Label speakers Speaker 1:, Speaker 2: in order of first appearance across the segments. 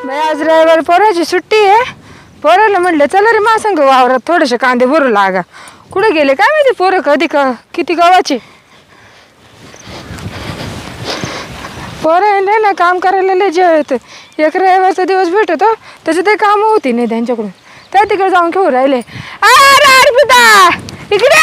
Speaker 1: बाई आज रविवार पोराची सुट्टी आहे. पोराला म्हणलं चला रे मा संग वावरात थोडेसे कांदे भरू लागा. कुठे गेले काय माहिती पोरं कधी किती गव्हाचे पोरं नाही ना काम करायला लय जेव येतं. एक रविवारचा दिवस भेटतो त्याचं ते काम होती नाही त्यांच्याकडून. त्या तिकडे जाऊन घेऊ राहिले. अरे अर्पिता इकडे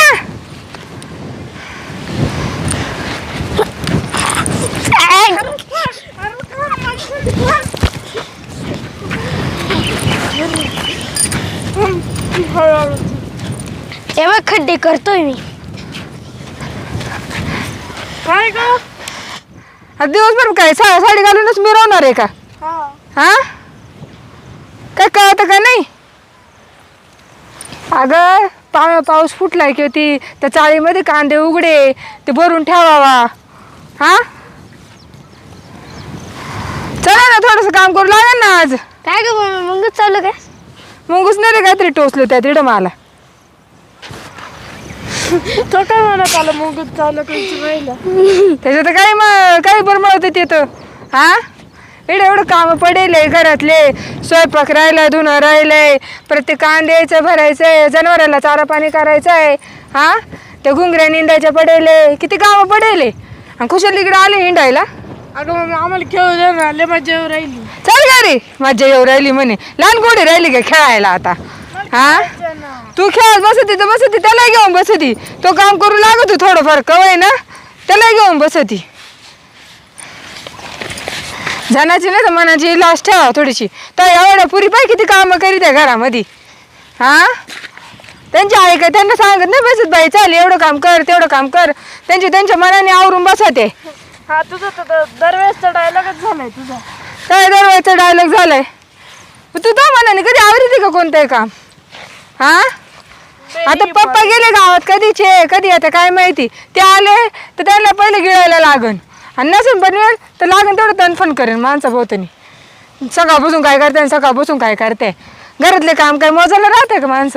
Speaker 2: तेव्हा खड्डे करतोय मी.
Speaker 1: काय ग दिवसभर काय साडी घालूनच मिरवणार आहे का? हा काय कळतं का नाही? अगं पाऊस फुटलाय की होती त्या चाळीमध्ये कांदे उघडे ते भरून ठेवावा. हा चला ना थोडस काम करू लागेल ना आज.
Speaker 2: काय ग मग चालू काय?
Speaker 1: मुंगूस नाही रे काहीतरी टोचलं त्या तिकडं मला.
Speaker 2: तो काय म्हणत आला मग चालू करायला
Speaker 1: त्याच्यात काही बरमळत येतं. हा एवढं काम पडेल घरातले. स्वयंपाक राहिलाय धुणं राहिलंय प्रत्येक कांद्याचं भरायचंय जनावराला चारा पाणी करायचंय. हा त्या घुंगऱ्या निंदायच्या पडेल किती कामं पडेल आणि खुशाल इकडे आले हिंडायला.
Speaker 2: अगं मग आम्हाला खेळू दे ना लय मजा येऊ राहिली.
Speaker 1: चल का रे मज्जा येऊ राहिली म्हणे. लहान गोडी राहिली का खेळायला आता? हा तू खेळत बसती तर बसती त्याला घेऊन बसती. तो काम करू लागतो थोडंफार कवय ना त्याला घेऊन बसती. जनाची नाही तर मनाची लाज ठेवा थोडीशी. तर एवढ्या पुरी पाय किती कामं करीत आहे घरामध्ये. हा त्यांची आई काय त्यांना सांगत नाही बसत बाई चाल एवढं काम कर तेवढं काम कर. त्यांच्या मनाने आवरून बसते.
Speaker 2: हा तुझं तर दरवेळेसचा डायलॉगच झालाय तुझा.
Speaker 1: काय दरवेळेचा डायलॉग झालाय? तू तो मनाने कधी आवडते का कोणतंही काम? हा आता पप्पा गेले गावात कधीचे कधी आता काय माहिती. ते आले तर त्यांना पहिले गिळायला लागन आणि नसेल बनवेल तर लागन तेवढं तणफण करेन माणसा भोवतनी. सकाळपासून काय करते सकाळपासून काय करते. घरातले काम काय मोजायला राहते का माणसं?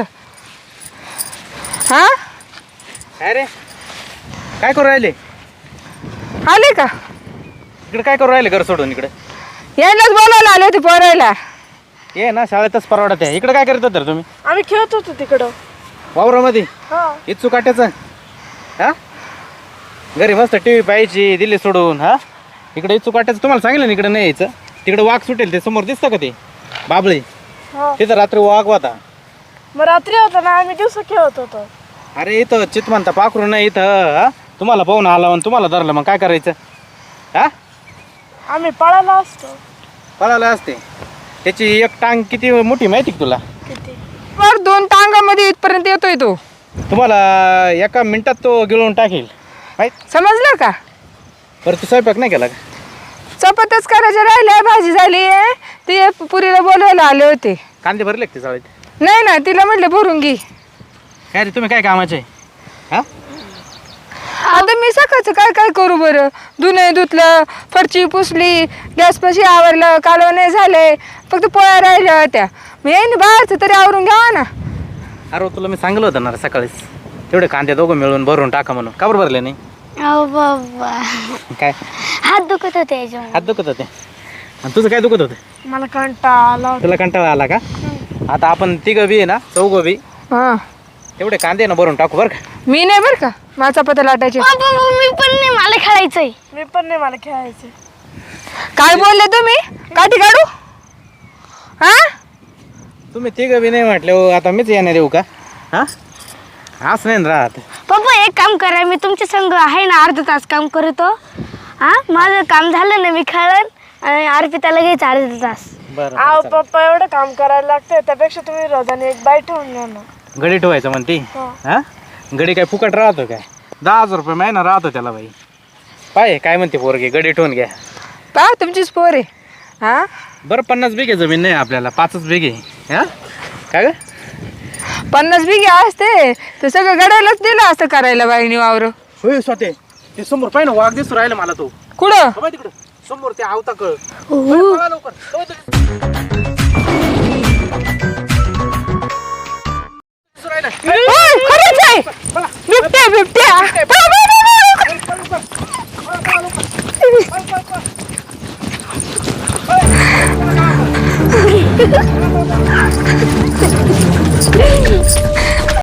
Speaker 1: हा
Speaker 3: अरे काय करू राहिले?
Speaker 1: आले का
Speaker 3: इकडे काय करू राहिले घर सोडून? इकडे
Speaker 1: यायलाच बोलायला आले होते पोरायला.
Speaker 3: ये ना शाळेतच परवडत आहे. इकडे काय करत होता तुम्ही?
Speaker 2: आम्ही खेळत होतो तिकडं
Speaker 3: वावरामध्ये
Speaker 2: हा.
Speaker 3: इच्छू काट्याचं. हा घरी मस्त टी व्ही पाहायची दिली सोडून. हा इकडे इच्छू काट्याचं तुम्हाला सांगितलं ना इकडे नाही यायचं. तिकडे वाघ सुटेल ते समोर दिसतं का ते बाबळी? तिथं रात्री वाघ होता.
Speaker 2: मग रात्री होता ना आम्ही दिवस खेळत होतो.
Speaker 3: अरे इथं चितमंता पाखरू नाही इथं. हा तुम्हाला पाहून आला आणि तुम्हाला धरलं मग काय करायचं? हा
Speaker 2: आम्ही पळाला असतो.
Speaker 3: पळाला असते. त्याची एक टांग किती मोठी माहिती का तुला?
Speaker 2: किती
Speaker 1: वर 2 टांगामध्ये इथपर्यंत येतोय तो.
Speaker 3: तुम्हाला एका मिनिटात तो गिळून टाकेल माहित.
Speaker 1: समजलं का?
Speaker 3: बरं तू स्वयंपाक नाही केला का?
Speaker 1: चपात्याच करायच्या राहिल्या भाजी झाली आहे. ते पुरीला बोलवायला आले होते.
Speaker 3: कांदे भरले का ते चाळीत?
Speaker 1: नाही ना तिला म्हटलं भरून घे.
Speaker 3: काय रे तुम्ही काय कामाचे? हा
Speaker 1: आता मी सकाळचं काय काय करू बरं? धुणे धुतलं फरची पुसली गॅसपाशी आवरलं कालवण नाही झाले फक्त पोळ्या राहिल्या होत्या. मी येईन बाहेरचं तरी आवरून घ्यावा ना.
Speaker 3: अरे तुला मी सांगलं होतं ना रे सकाळीच तेवढे कांदे दोघं मिळून भरून टाका म्हणून. का बरं भरले नाही?
Speaker 2: अहो बाबा
Speaker 3: काय
Speaker 2: हात दुखत होते याच्यामुळे.
Speaker 3: हात दुखत होते? आणि तुझं काय दुखत होतं?
Speaker 2: मला कंटाळा आला.
Speaker 3: तुला कंटाळा आला का? आता आपण तिघं बी आहे ना चौघं बी
Speaker 1: हां
Speaker 3: तेवढे कांदे ना भरून टाकू बरं का?
Speaker 1: मी नाही बरं का माझा चपात्या लाटायचे.
Speaker 2: मी पण नाही मला खेळायचंय. मी पण नाही मला खेळायचंय.
Speaker 1: काय बोलले तुम्ही? काठी काढू? हा
Speaker 3: तुम्ही तिघं बी नाही म्हटले हो आता मीच येणार देऊ का? हा असं नाही ना राहत.
Speaker 2: पप्पा एक काम करा मी तुमच्या संग आहे ना अर्धा तास काम करतो. हा माझं काम झालं ना मी खेळन आणि अर्पिताला घ्यायचं अर्धा तास.
Speaker 3: बरं
Speaker 2: अहो पप्पा एवढं काम करायला लागतं त्यापेक्षा तुम्ही रोजाने एक बाई ठेवून घ्या ना.
Speaker 3: गडी ठेवायचं म्हणते. हा गडी काय फुकट राहतो काय? 10,000 रुपये महिना राहतो त्याला बाई. पाय काय म्हणते पोरगी गडी ठेवून घ्या.
Speaker 1: पा तुमचीच पोर आहे. हा
Speaker 3: बरं 50 बिघे जमीन नाही आपल्याला 5च बिघे. हा काय ग
Speaker 1: 50 बिघे असते तर सगळं गडायलाच दिलं असतं करायला बाईनी वावर.
Speaker 3: होय स्वते ते समोर पाय ना वाघ दिसू राहिला मला. तो
Speaker 1: कुठं?
Speaker 3: तिकडं समोर ते आवता कळ लवकर.
Speaker 1: खरंच आहे बिबट्या बिबट्या.
Speaker 2: आहे